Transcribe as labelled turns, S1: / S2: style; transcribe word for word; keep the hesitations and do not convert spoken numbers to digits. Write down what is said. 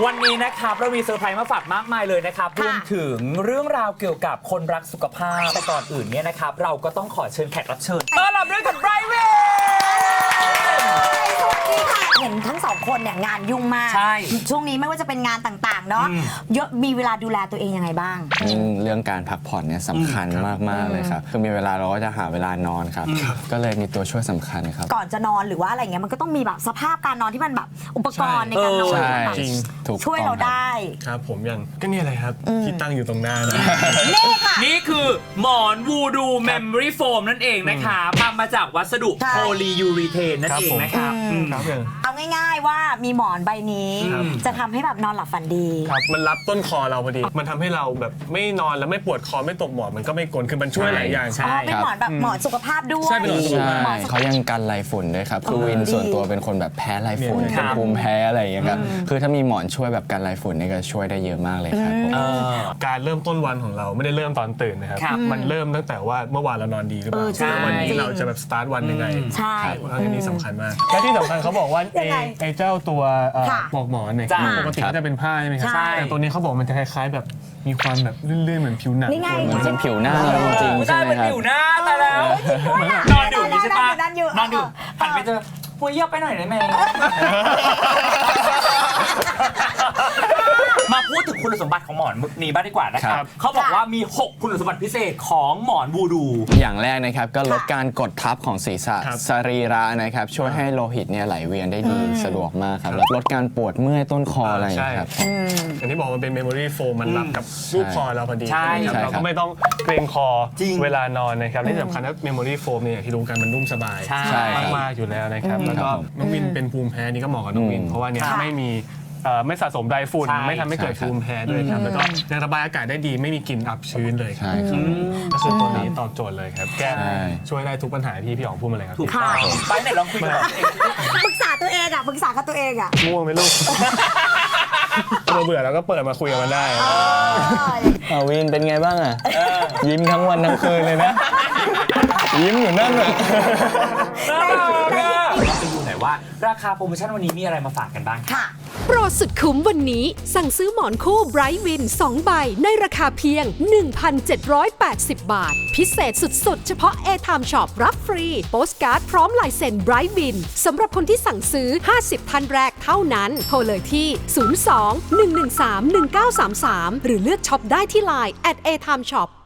S1: วันนี้นะครับเรามีเซอร์ไพรส์มาฝากมากมายเลยนะครับรวมถึงเรื่องราวเกี่ยวกับคนรักสุขภาพแต่ก่อนอื่นเนี่ยนะครับเราก็ต้องขอเชิญแขกรับเชิญต้อนรับด้วยกับไบรท์เวย์
S2: เห็นทั้งสองคนเนี่ยงานยุ่งมากช่วงนี้ไม่ว่าจะเป็นงานต่างๆเนาะเยอะมีเวลาดูแลตัวเองยังไงบ้าง
S3: เรื่องการพักผ่อนเนี่ยสำคัญมากๆเลยครับคือมีเวลาเราก็จะหาเวลานอนครับก็เลยมีตัวช่วยสำคัญครับ
S2: ก่อนจะนอนหรือว่าอะไรเงี้ยมันก็ต้องมีแบบสภาพการนอนที่มันแบบอุปกรณ์ในการนอนแบบช่วยเราได้
S4: ครับผมอย่างก็นี่อะไรครับที่ตั้งอยู่ตรงหน้า
S2: นี่ค่ะ
S1: นี่คือหมอนวูดูเมมโมรี่โฟมนั่นเองนะครับทำมาจากวัสดุโพลียูรีเทนนั่นเองนะครับ
S2: เอาง่ายๆว่ามีหมอนใบนี้จะทำให้แบบนอนหลับฝันดี
S4: ครับมันรับต้นคอเราพอดีมันทำให้เราแบบไม่นอนแล้วไม่ปวดคอไม่ตกหมอนมันก็ไม่กลนคือมันช่วยหลายอย่าง
S2: ใช่เป็นหมอนแบบหมอนสุขภาพด้วย
S4: ใช่เป็นหมอนสุขภาพ
S3: เขายังกันไรฝุ่นด้วยครับคือวินส่วนตัวเป็นคนแบบแพ้ไรฝุ่นเป็นภูมิแพ้อะไรอย่างเงี้ยครับคือถ้ามีหมอนช่วยแบบกันไรฝุ่นนี่ก็ช่วยได้เยอะมากเลยครับ
S4: การเริ่มต้นวันของเราไม่ได้เริ่มตอนตื่นนะครับมันเริ่มตั้งแต่ว่าเมื่อวานเรานอนดีหรือเปล่าวันนี้เราจะแบบสตาร์ทวันยังไง
S2: ใช่
S4: อันนี้สำคัญมากและที่สำคัญเขาบอกว่าไอ้เจ้าตัวปลอกหมอนเนี่ยปกติก็จะเป็นผ้าใช่ไหมครับแต่ตัวนี้เขาบอกมันจะคล้ายๆแบบมีความแบบลื่นๆเหมือนผิวหนัง
S3: เหมือนเป็นผิวหน้าจริงๆใช่ไหมครับ
S1: ผิวหน้าแต่แล้วนอนอยู่ใช่ปะนอนอยู่หันไปเจอปุยเยอะไปหน่อยได้ไหมมาพูดถึงคุณสมบัติของหมอนนี้บ้างดีกว่านะครับเขาบอกว่ามีหกคุณสมบัติพิเศษของหมอนวูดู
S3: อย่างแรกนะครับก็ลดการกดทับของศีรษะสรีระนะครับช่วยให้โลหิตเนี่ยไหลเวียนได้ดีสะดวกมากครับลดการปวดเมื่อยต้นคออะไรครับ
S4: อย่างที่บอกมันเป็นเมมโมรี่โฟมมันรับกับรูปคอเราพอดีเราก็ไม่ต้องเกรงคอเวลานอนนะครับที่สำคัญว่าเมมโมรี่โฟมเนี่ยที่รู้กันมันนุ่มสบายมากๆอยู่แล้วนะครับแล้วก็น้องวินเป็นภูมิแพ้นี่ก็เหมาะกับน้องวินเพราะว่าเนี่ยไม่มีไม่สะสมไดฝุ่นไม่ทำให้เกิดภูมิแพ้ด้วยครับแล้วก็ยังระบายอากาศได้ดีไม่มีกลิ่นอับชื้นเลยครับก็คือตัวนี้ตอบโจทย์เลยครับแก้ช่วยได้ทุกปัญหาที่พี่อ๋องพูดมาเลยครับ
S1: ถูกต้องไปไหนลองคุยกับ
S2: ปรึกษาตัวเองอ่ะปรึกษากับตัวเองอ่ะ
S4: ง่วงไหมลูกเราเบื่อแล้วก็เปิดมาคุยกันมันได้
S3: วินเป็นไงบ้างอ่ะยิ้มทั้งวันทั้งคืนเลยนะยิ้มอยู่นั่นเลย
S1: ไปดูหน่อยว่าราคาโปรโมชั่นวันนี้มีอะไรมาฝากกันบ้าง
S2: ค่ะ
S5: โปรสุดคุ้มวันนี้สั่งซื้อหมอนคู่ไบรท์วินสองใบในราคาเพียง หนึ่งพันเจ็ดร้อยแปดสิบ บาทพิเศษสุดๆเฉพาะ A-Time Shop รับฟรีโปสการ์ดพร้อมลายเซ็นไบรท์วินสำหรับคนที่สั่งซื้อห้าสิบท่านแรกเท่านั้นโทรเลยที่ศูนย์ สอง หนึ่ง หนึ่ง สาม หนึ่ง เก้า สาม สามหรือเลือกช็อปได้ที่ไลน์ แอท เอ ไทม์ ช็อป